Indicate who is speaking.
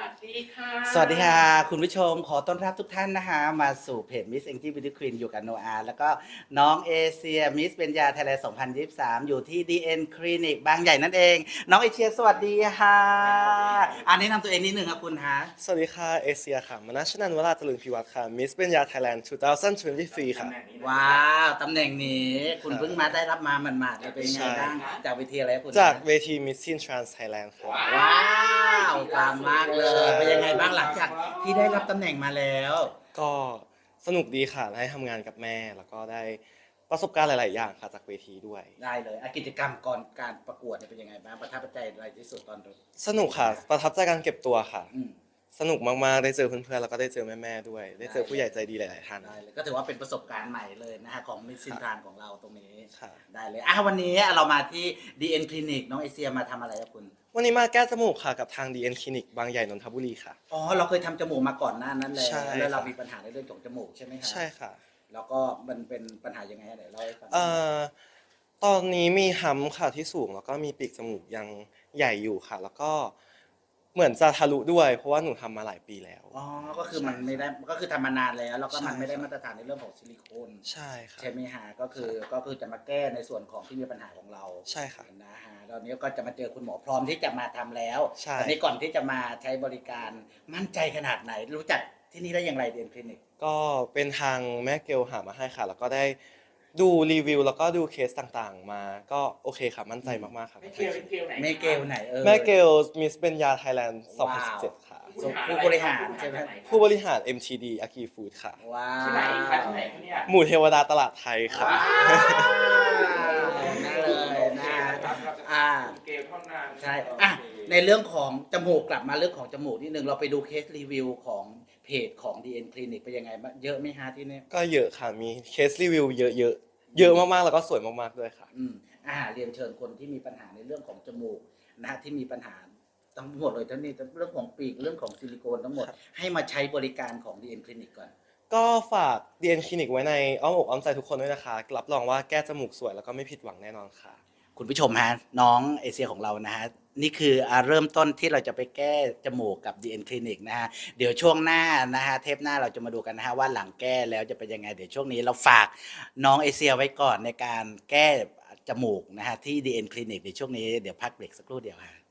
Speaker 1: วัสดีค่ะ
Speaker 2: สวัสดีค่ะคุณผู้ชมขอต้อนรับทุกท่านนะคะมาสู่เพจ Miss Angie Beauty Queen อยู่กับโนอาแล้วก็น้องเอเชีย Miss เบญญาไทยแลนด์2023อยู่ที่ DN Clinic บางใหญ่นั่นเองน้องเอเชียสวัสดีค่ะอันนี้นำตัวเองนิดหนึ่งครับคุณฮะ
Speaker 3: สวัสดีค่ะเอเชียค่ะมนัชนันท์วราจรึงพิวัตรค่ะมิสเบญญาไทยแลนด์2023ค่ะ
Speaker 2: ว้าวตำแหน่งนี้คุณ
Speaker 3: ครับ
Speaker 2: เพิ่งมาได้รับมาหมาดๆเลยเป็นยังไงบ้างจากวิธีอะไรคุณ
Speaker 3: จากเวทีมิสซินทรานส์ไทยแลนด์ค่ะ
Speaker 2: ว้าวตามมากเลยเป็นยังไงบ้างหลังจากที่ได้รับตำแหน่งมาแล้ว
Speaker 3: ก็สนุกดีค่ะได้ทำงานกับแม่แล้วก็ได้ประสบการณ์หลาย ๆ อย่างค่ะจากเวทีด้วย
Speaker 2: ได้เลยกิจกรรมก่อนการประกวดเนี่ยเป็นยังไงบ้างประทับใจอะไรที่สุดตอน
Speaker 3: สนุกค่ะประทับใจการเก็บตัวค่ะ
Speaker 2: อืม
Speaker 3: สนุกมาก ๆ ได้เจอเพื่อน ๆ แล้วก็ได้เจอแม่ ๆ ด้วย ได้เจอผู้ใหญ่ใจดีหลาย ๆ ท่าน
Speaker 2: ได้เลยก็ถือว่าเป็นประสบการณ์ใหม่เลยนะฮะของมิสซินทรานของเราตรงนี้
Speaker 3: ค่ะ
Speaker 2: ได้เลยวันนี้เรามาที่ DN Clinic น้องเอเชียมาทำอะไรครับคุณ
Speaker 3: วันนี้มาแก้จมูกค่ะกับทาง DN Clinic บางใหญ่นนทบุรีค่ะ
Speaker 2: อ๋อเราเคยทำจมูกมาก่อนหน้านั้นแล้ว
Speaker 3: ใช่
Speaker 2: แล้วเรา
Speaker 3: ครับ
Speaker 2: มีปัญหาในเรื่องของจมูกใช่ไหมครับ
Speaker 3: ใช่ค่ะ
Speaker 2: แล้วก็มันเป็นปัญหายังไงเดี๋ยวเล่าให้ฟัง
Speaker 3: ตอนนี้มีฮัมป์ค่ะที่สูงแล้วก็มีปีกจมูกยังใหญ่อยู่ค่ะ แล้วก็เหมือนจะทะลุด้วย เพราะว่าหนูทำมาหลายปีแล้ว
Speaker 2: อ๋อก็คือมันไม่ได้ก็คือทำมานานแล้วแล้วก็มัน
Speaker 3: ใช่
Speaker 2: ไม่ได้
Speaker 3: ครับ
Speaker 2: มาตรฐานในเรื่องของซิลิโคน
Speaker 3: ใช่ค่ะ
Speaker 2: ใช่ไหมฮะก็คือจะมาแก้ในส่วนของที่มีปัญหาของเรา
Speaker 3: ใช่ค่ะ
Speaker 2: นะฮะตอนนี้ก็จะมาเจอคุณหมอพร้อมที่จะมาทำแล้ว
Speaker 3: ใช่
Speaker 2: ตอนนี้ก่อนที่จะมาใช้บริการมั่นใจขนาดไหน รู้จักที่นี่ได้อย่างไรเดียนคลินิก
Speaker 3: ก็เป็นทางแม่เกลหามาให้ค่ะ แล้วก็ได้ดูรีวิวแล้วก็ดูเคสต่างๆ มาก็โอเคค่ะมั่นใจมากๆค่ะ
Speaker 1: ไม่เกลไหน
Speaker 2: ไม่เกลไหน
Speaker 3: แม่เกลมิสเบญญาไทยแลนด์2017ค่ะ
Speaker 2: ผู้บริหารใช่ไหม
Speaker 3: ผู้บริหาร MTD อากีฟู้ดค่ะ
Speaker 2: ว้า
Speaker 1: ที่ไหน
Speaker 2: ว
Speaker 1: คะที่ไหนคะเนี่ย
Speaker 3: หมู่เทวดาตลาดไทยค่ะ
Speaker 2: ว้าวน่าเลยนะ
Speaker 1: เกลเท่านั้น
Speaker 2: ใช่ในเรื่องของจมูกกลับมาเรื่องของจมูกนิดนึงเราไปดูเคสรีวิวของเพจของ DN Clinic เป็นยังไงบ้างเยอะไหมฮะที่นี่
Speaker 3: ก็เยอะค่ะ มีเคสรีวิวเยอะๆ เยอะมากๆ แล้วก็สวยมากๆ ด้วยค่ะ
Speaker 2: เรียนเชิญคนที่มีปัญหาในเรื่องของจมูกนะฮะที่มีปัญหาทั้งหมดเลยทั้งนี้เรื่องของปีกเรื่องของซิลิโคนทั้งหมด
Speaker 3: ครับ
Speaker 2: ให้มาใช้บริการของ DN Clinic ก่อน
Speaker 3: ก็ฝาก DN Clinic ไว้ในอ้อมอกอ้อมใจทุกคนด้วยนะคะ รับรองว่าแก้จมูกสวยแล้วก็ไม่ผิดหวังแน่นอนค่ะ
Speaker 2: คุณผู้ชมฮะน้องเอเชียของเรานะฮะนี่คือเริ่มต้นที่เราจะไปแก้จมูกกับ DN Clinic นะฮะเดี๋ยวช่วงหน้านะฮะเทปหน้าเราจะมาดูกันนะฮะว่าหลังแก้แล้วจะเป็นยังไงเดี๋ยวช่วงนี้เราฝากน้องเอเชียไว้ก่อนในการแก้จมูกนะฮะที่ DN Clinic ในช่วงนี้เดี๋ยวพักเบรกสักครู่เดียวฮะ